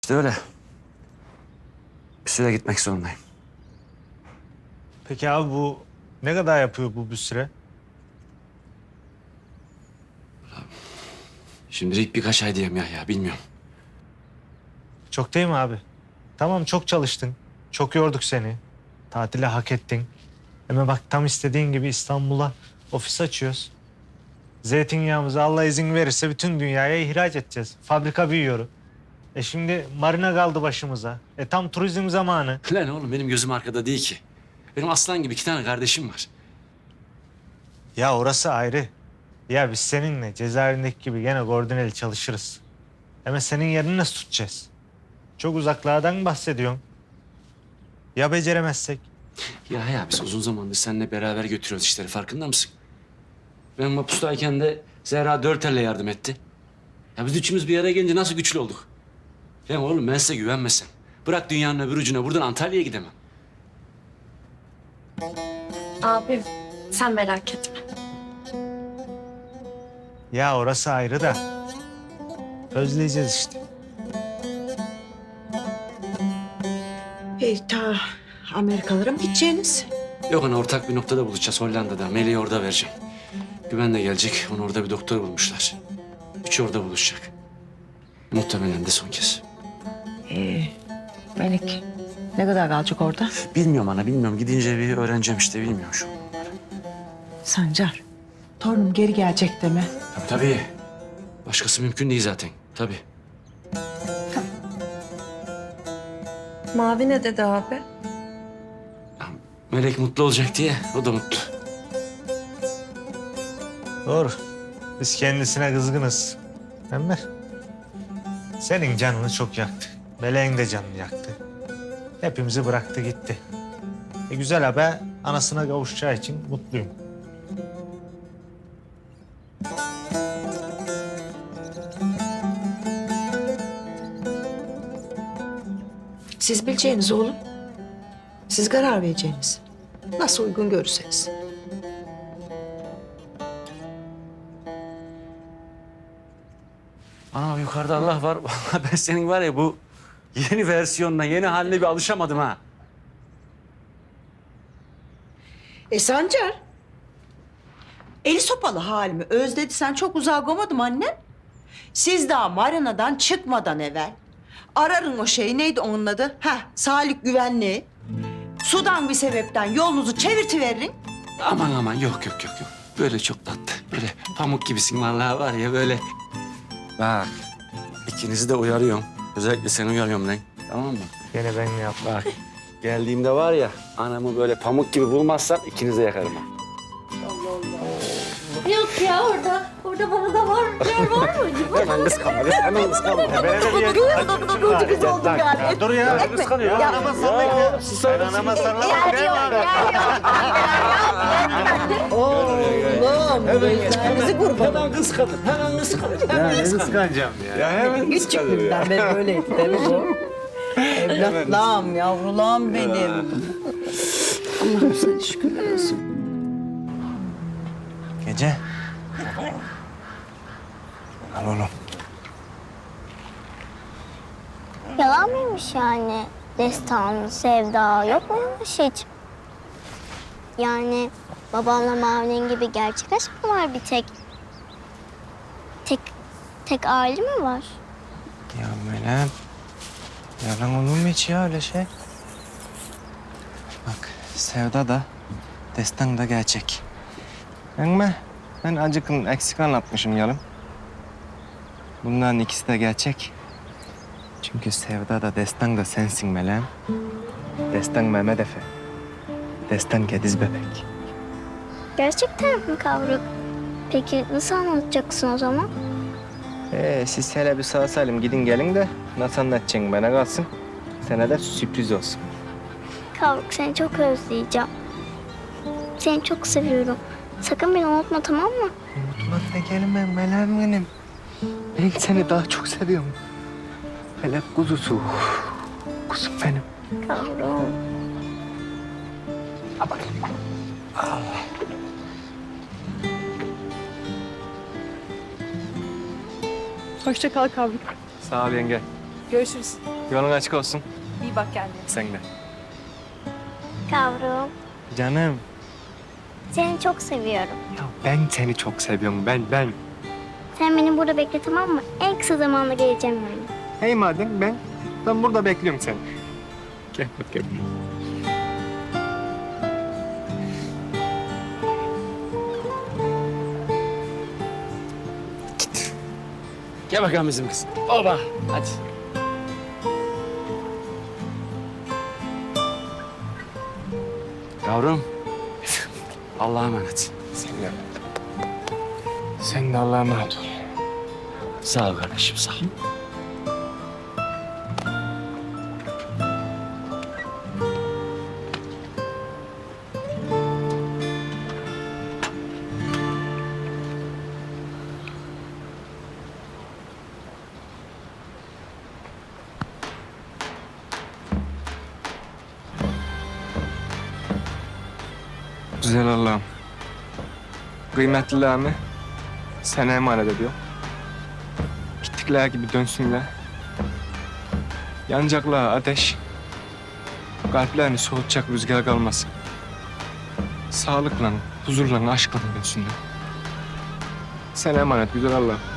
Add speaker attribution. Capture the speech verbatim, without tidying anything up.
Speaker 1: İşte öyle. Bir süre gitmek zorundayım.
Speaker 2: Peki abi bu ne kadar yapıyor bu bir süre?
Speaker 1: Şimdilik birkaç ay diyeyim ya, ya bilmiyorum.
Speaker 2: Çok değil mi abi? Tamam çok çalıştın. Çok yorduk seni. Tatile hak ettin. Ama bak tam istediğin gibi İstanbul'a ofis açıyoruz. Zeytinyağımızı Allah izin verirse bütün dünyaya ihraç edeceğiz. Fabrika büyüyor. E şimdi marina kaldı başımıza. E tam turizm zamanı.
Speaker 1: Lan oğlum benim gözüm arkada değil ki. Benim aslan gibi iki tane kardeşim var.
Speaker 2: Ya orası ayrı. Ya biz seninle cezaevindeki gibi gene koordineli çalışırız. Ama senin yerini nasıl tutacağız? Çok uzaklardan bahsediyorsun. Ya beceremezsek?
Speaker 1: Ya ya biz uzun zamandır seninle beraber götürüyoruz işleri, farkında mısın? Ben mapustayken de Zehra dört elle yardım etti. Ya biz üçümüz bir araya gelince nasıl güçlü olduk? Ya oğlum ben size güvenmesem. Bırak dünyanın öbür ucuna, buradan Antalya'ya gidemem.
Speaker 3: Abim sen merak etme.
Speaker 2: Ya orası ayrı da. Özleyeceğiz işte.
Speaker 4: E, ta Amerikalara mı gideceğiniz?
Speaker 1: Yok ana, ortak bir noktada buluşacağız Hollanda'da. Meleği orada vereceğim. Güven de gelecek. Onu orada bir doktor bulmuşlar. Üçü orada buluşacak. Muhtemelen de son kez.
Speaker 4: Ee, Melek ne kadar kalacak orada?
Speaker 1: Bilmiyorum ana, bilmiyorum. Gidince bir öğreneceğim işte, bilmiyorum şu an.
Speaker 4: Sancar, torunum geri gelecek deme.
Speaker 1: Tabii tabii. Başkası mümkün değil zaten. Tabii.
Speaker 3: Mavi ne dedi abi?
Speaker 1: Ya, Melek mutlu olacak diye o da mutlu.
Speaker 2: Doğru. Biz kendisine kızgınız. Ama senin canını çok yaktı. Meleğin de canını yaktı. Hepimizi bıraktı gitti. E güzel haber, anasına kavuşacağı için mutluyum.
Speaker 4: Siz bileceğiniz oğlum. Siz karar vereceğiniz. Nasıl uygun görürseniz.
Speaker 1: Ana yukarıda Allah var. Vallahi ben senin var ya bu yeni versiyonuna, yeni haline bir alışamadım ha.
Speaker 4: E Sancar. Eli sopalı halimi özledi sen çok uzağa koymadım annem. Siz daha marinadan çıkmadan evvel ararın o şeyi neydi onun adı? Heh, sağlık güvenliği. Sudan bir sebepten yolunuzu çevirtiverin.
Speaker 1: Aman aman, yok yok yok yok. Böyle çok tatlı. Böyle pamuk gibisin vallahi var ya böyle. Bak, ikinizi de uyarıyorum. Özellikle seni uyarıyorum lan. Tamam mı?
Speaker 2: Gene ben ne yaptım?
Speaker 1: Bak, geldiğimde var ya anamı böyle pamuk gibi bulmazsam ikinizi de yakarım ha.
Speaker 3: Yok ya orada, orada bana da var. Yer var mı?
Speaker 1: Hemen kıskanma, kız, hemen kıskanma.
Speaker 4: Kız oldum yani.
Speaker 2: Ya, dur ya.
Speaker 4: Etme.
Speaker 2: Kıskanıyor.
Speaker 4: Ya,
Speaker 2: Anama sallayın ya.
Speaker 1: susar
Speaker 2: Ben
Speaker 1: mısın?
Speaker 2: anama sallamam.
Speaker 4: Yer
Speaker 2: Ne
Speaker 4: yok,
Speaker 2: var?
Speaker 4: yer yok. Oğlum, gözlerinizi kurban.
Speaker 1: Hemen kıskanır, hemen kıskanır.
Speaker 2: Ya ne kıskanacağım ya.
Speaker 1: Ya hemen
Speaker 4: Küçüklüğümden beri böyleydi değil mi bu? Evlatlarım, yavrularım benim. Allah'ım sana şükürler olsun.
Speaker 2: Gece. Al oğlum.
Speaker 5: Yalan mıymış yani? Destan, sevda yok muymuş hiç? Yani babamla Mavi'nin gibi gerçek aşk mı var bir tek? Tek, tek aile mi var?
Speaker 6: Ya Melem, yalan olur mu hiç ya öyle şey? Bak, sevda da, destan da gerçek. Ama ben acıkın eksik anlatmışım yarım. Bunların ikisi de gerçek. Çünkü sevda da, destan da sensin Melem. Destan Mehmet Efe. Destan Gediz bebek.
Speaker 5: Gerçekten mi kavruk? Peki nasıl anlatacaksın o zaman?
Speaker 6: Ee, siz hele bir sağ salim gidin gelin de nasıl anlatacaksın bana kalsın. Sana da sürpriz olsun.
Speaker 5: Kavruk seni çok özleyeceğim. Seni çok seviyorum. Sakın beni unutma, tamam mı?
Speaker 6: Unutmak ne kelime Melem benim. Ben seni daha çok seviyorum. Felek kuzusu. Kuzum benim.
Speaker 5: Kavrum.
Speaker 7: Hoşça kal Kavruk.
Speaker 6: Sağ ol yenge.
Speaker 7: Görüşürüz.
Speaker 6: Yolun açık olsun.
Speaker 7: İyi bak kendine.
Speaker 6: Sen de.
Speaker 5: Kavrum,
Speaker 6: Canım.
Speaker 5: seni çok seviyorum.
Speaker 6: Ya ben seni çok seviyorum. Ben, ben.
Speaker 5: Sen beni burada bekle, tamam mı? En kısa zamanda geleceğim yani.
Speaker 6: Hey madem ben, ben burada bekliyorum seni. Gel bakayım.
Speaker 1: Gel bakalım bizim kız. Oba. Hadi. Yavrum. Allah'a emanet.
Speaker 6: Sen de. Sen de Allah'a emanet ol.
Speaker 1: Sağ ol kardeşim sağ ol.
Speaker 6: Güzel Allah'ım. Kıymetlilerimi sana emanet ediyorum. Gittikler gibi dönsünler. Yanacaklar ateş. Kalplerini soğutacak rüzgar kalmasın. Sağlıkla, huzurla, aşkla dönsünler. Sana emanet güzel Allah'ım.